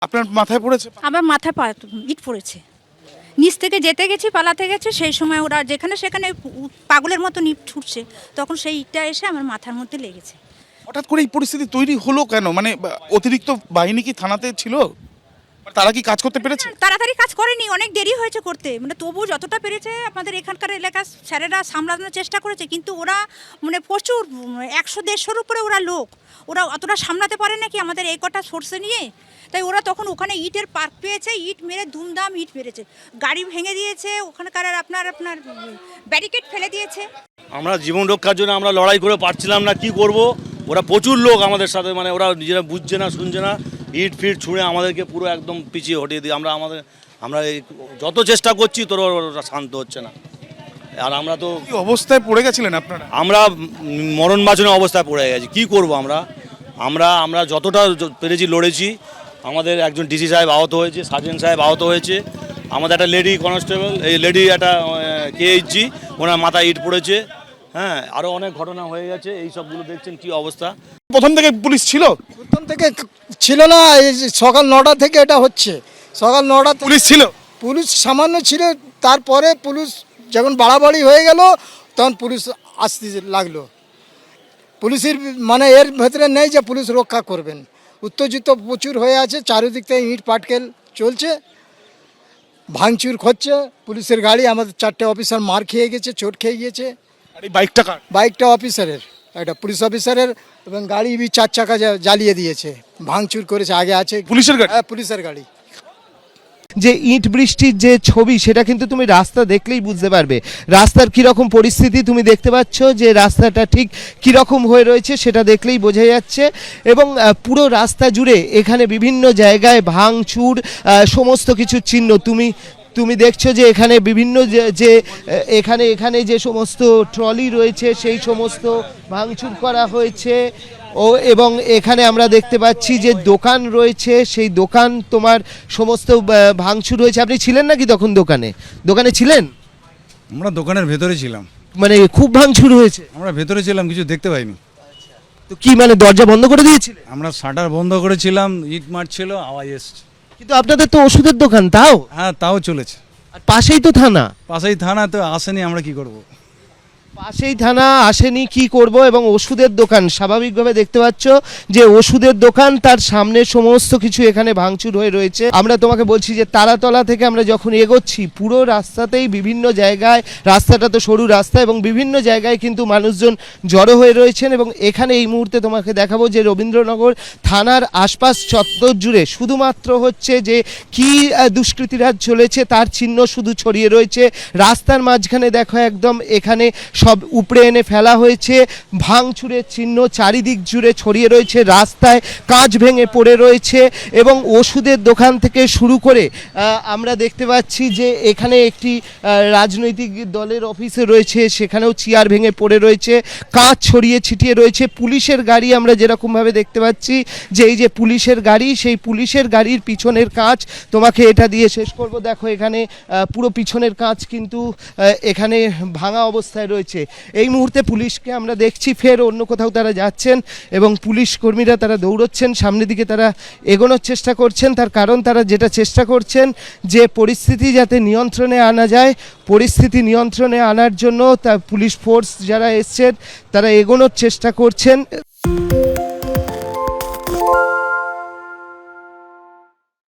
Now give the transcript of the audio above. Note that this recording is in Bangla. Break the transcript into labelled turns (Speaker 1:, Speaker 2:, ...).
Speaker 1: আপনার মাথায় পড়েছে?
Speaker 2: আমার মাথায় ইট পড়েছে। নিচ থেকে যেতে গেছি, পালাতে গেছে, সেই সময় ওরা যেখানে সেখানে পাগলের মতো ইট ছুটছে, তখন সেই ইটটা এসে আমার মাথার মধ্যে লেগেছে।
Speaker 1: হঠাৎ করে এই পরিস্থিতি তৈরি হলো কেন? মানে অতিরিক্ত বাহিনী কি থানাতে ছিল? তারা কি কাজ করতে পেরেছে?
Speaker 2: তাড়াতাড়ি কাজ করেনি, অনেক দেরি হয়েছে করতে, মানে তবু যতটা পেরেছে আমাদের এখানকার এলাকার স্যারেরা সামলানোর চেষ্টা করেছে, কিন্তু ওরা মানে প্রচুর 100-150-র উপরে ওরা লোক, ওরা অতটা সামলাতে পারে নাকি আমাদের এই কটা সোর্সে নিয়ে। তাই ওরা তখন ওখানে ইটের পার্ক পেয়েছে, ইট মেরে ধুমধাম ইট মেরেছে, গাড়ি ভেঙে দিয়েছে, ওখানকার আপনার ব্যারিকেড ফেলে দিয়েছে।
Speaker 3: আমরা জীবন রক্ষার জন্য আমরা লড়াই করে পারছিলাম না, কি করব। ওরা প্রচুর লোক আমাদের সাথে, মানে ওরা নিজেরা বুঝছে না, শুনছে না, ইট ফিট ছুঁড়ে আমাদেরকে পুরো একদম পিছিয়ে হটিয়ে দিই। আমরা যত চেষ্টা করছি তোর ওরা শান্ত হচ্ছে না। আর আমরা তো
Speaker 1: কি অবস্থায় পড়ে গেছিলেন আপনারা?
Speaker 3: আমরা মরণ বাঁচনের অবস্থায় পড়ে গেছি, কি করব। আমরা যতটা পেরেছি লড়েছি। আমাদের একজন ডিসি সাহেব আহত হয়েছে, সার্জেন্ট সাহেব আহত হয়েছে, আমাদের একটা লেডি কনস্টেবল, এই লেডি একটা কেএইচজি, ওনার মাথায় ইট পড়েছে। হ্যাঁ, আরও অনেক ঘটনা হয়ে গেছে। এই সবগুলো দেখছেন কি অবস্থা।
Speaker 1: প্রথম থেকে পুলিশ ছিল?
Speaker 4: প্রথম থেকে ছিল না, এই যে সকাল 9টা থেকে এটা হচ্ছে। সকাল 9টা
Speaker 1: পুলিশ ছিল?
Speaker 4: পুলিশ সামান্য ছিল, তারপরে পুলিশ যখন বাড়াবাড়ি হয়ে গেল তখন পুলিশ আসতে লাগলো। পুলিশের মানে এর ভেতরে নেই যে পুলিশ রক্ষা করবেন। উত্তেজিত প্রচুর হয়ে আছে, চারিদিক থেকে ইট পাটকেল চলছে, ভাঙচুর হচ্ছে। পুলিশের গাড়ি, আমাদের 4টে অফিসার মার খেয়ে গেছে, চোট খেয়ে গিয়েছে।
Speaker 1: আর এই বাইকটা কার?
Speaker 4: বাইকটা অফিসারের, একটা পুলিশ অফিসারের, এবং গাড়ি 4 চাকা জ্বালিয়ে দিয়েছে, ভাঙচুর করেছে। আগে আছে
Speaker 1: পুলিশের গাড়ি?
Speaker 4: হ্যাঁ, পুলিশের গাড়ি।
Speaker 5: যে ইট বৃষ্টির যে ছবি, সেটা কিন্তু তুমি রাস্তা দেখলেই বুঝতে পারবে রাস্তার কীরকম পরিস্থিতি। তুমি দেখতে পাচ্ছ যে রাস্তাটা ঠিক কীরকম হয়ে রয়েছে, সেটা দেখলেই বোঝা যাচ্ছে। এবং পুরো রাস্তা জুড়ে এখানে বিভিন্ন জায়গায় ভাঙচুর, সমস্ত কিছু চিহ্ন তুমি দেখছো যে এখানে বিভিন্ন যে এখানে যে সমস্ত ট্রলি রয়েছে সেই সমস্ত ভাঙচুর করা হয়েছে। এবং এখানে আমরা দেখতে পাচ্ছি যে দোকান রয়েছে, সেই দোকান তোমার সমস্ত ভাঙচুর হয়েছে। আপনি ছিলেন নাকি তখন দোকানে ছিলেন?
Speaker 6: আমরা দোকানের ভেতরে ছিলাম।
Speaker 5: মানে খুব ভাঙচুর হয়েছে?
Speaker 6: আমরা ভেতরে ছিলাম, কিছু দেখতে পাইনি।
Speaker 5: তো কি মানে দরজা বন্ধ করে দিয়েছিলেন?
Speaker 6: আমরা শাটার বন্ধ করেছিলাম, ইট মারছিল, আওয়াজ এসছে।
Speaker 5: কিন্তু আপনাদের তো ওষুধের দোকান, তাও?
Speaker 6: হ্যাঁ, তাও চলেছে।
Speaker 5: আর পাশেই তো থানা।
Speaker 6: পাশেই থানা, তো আসেনি, আমরা কি করব।
Speaker 5: পাশেই থানা, আসেনি, কি করব। এবং ওষুধের দোকান, স্বাভাবিকভাবে দেখতে পাচ্ছ যে ওষুধের দোকান, তার সামনে সমস্ত কিছু এখানে ভাঙচুর হয়ে রয়েছে। আমরা তোমাকে বলছি যে তারাতলা থেকে আমরা যখন এগোচ্ছি, পুরো রাস্তাতেই বিভিন্ন জায়গায়, রাস্তাটা তো সরু রাস্তা, এবং বিভিন্ন জায়গায় কিন্তু মানুষজন জড়ো হয়ে রয়েছেন। এবং এখানে এই মুহূর্তে তোমাকে দেখাবো যে রবীন্দ্রনগর থানার আশপাশ চত্বর জুড়ে শুধুমাত্র হচ্ছে যে কি দুষ্কৃতিরাজ চলেছে তার চিহ্ন শুধু ছড়িয়ে রয়েছে। রাস্তার মাঝখানে দেখো একদম এখানে সব উপড়ে এনে ফেলা হয়েছে, ভাঙচুরের চিহ্ন চারিদিক জুড়ে ছড়িয়ে রয়েছে, রাস্তায় কাঁচ ভেঙে পড়ে রয়েছে। এবং ওষুধের দোকান থেকে শুরু করে আমরা দেখতে পাচ্ছি যে এখানে একটি রাজনৈতিক দলের অফিসে রয়েছে, সেখানেও চেয়ার ভেঙে পড়ে রয়েছে, কাঁচ ছড়িয়ে ছিটিয়ে রয়েছে। পুলিশের গাড়ি আমরা যেরকমভাবে দেখতে পাচ্ছি যে এই যে পুলিশের গাড়ি, সেই পুলিশের গাড়ির পিছনের কাঁচ, তোমাকে এটা দিয়ে শেষ করব। দেখো এখানে পুরো পিছনের কাঁচ কিন্তু এখানে ভাঙা অবস্থায় রয়েছে। এই মুহূর্তে পুলিশকে আমরা দেখছি ফের অন্য কোথাও তারা যাচ্ছেন, এবং পুলিশ কর্মীরা তারা দৌড়চ্ছেন, সামনের দিকে তারা এগোনোর চেষ্টা করছেন। তার কারণ তারা যেটা চেষ্টা করছেন যে পরিস্থিতি যাতে নিয়ন্ত্রণে আনা যায়, পরিস্থিতি নিয়ন্ত্রণে আনার জন্য তা পুলিশ ফোর্স যারা এসছেন তারা এগোনোর চেষ্টা করছেন।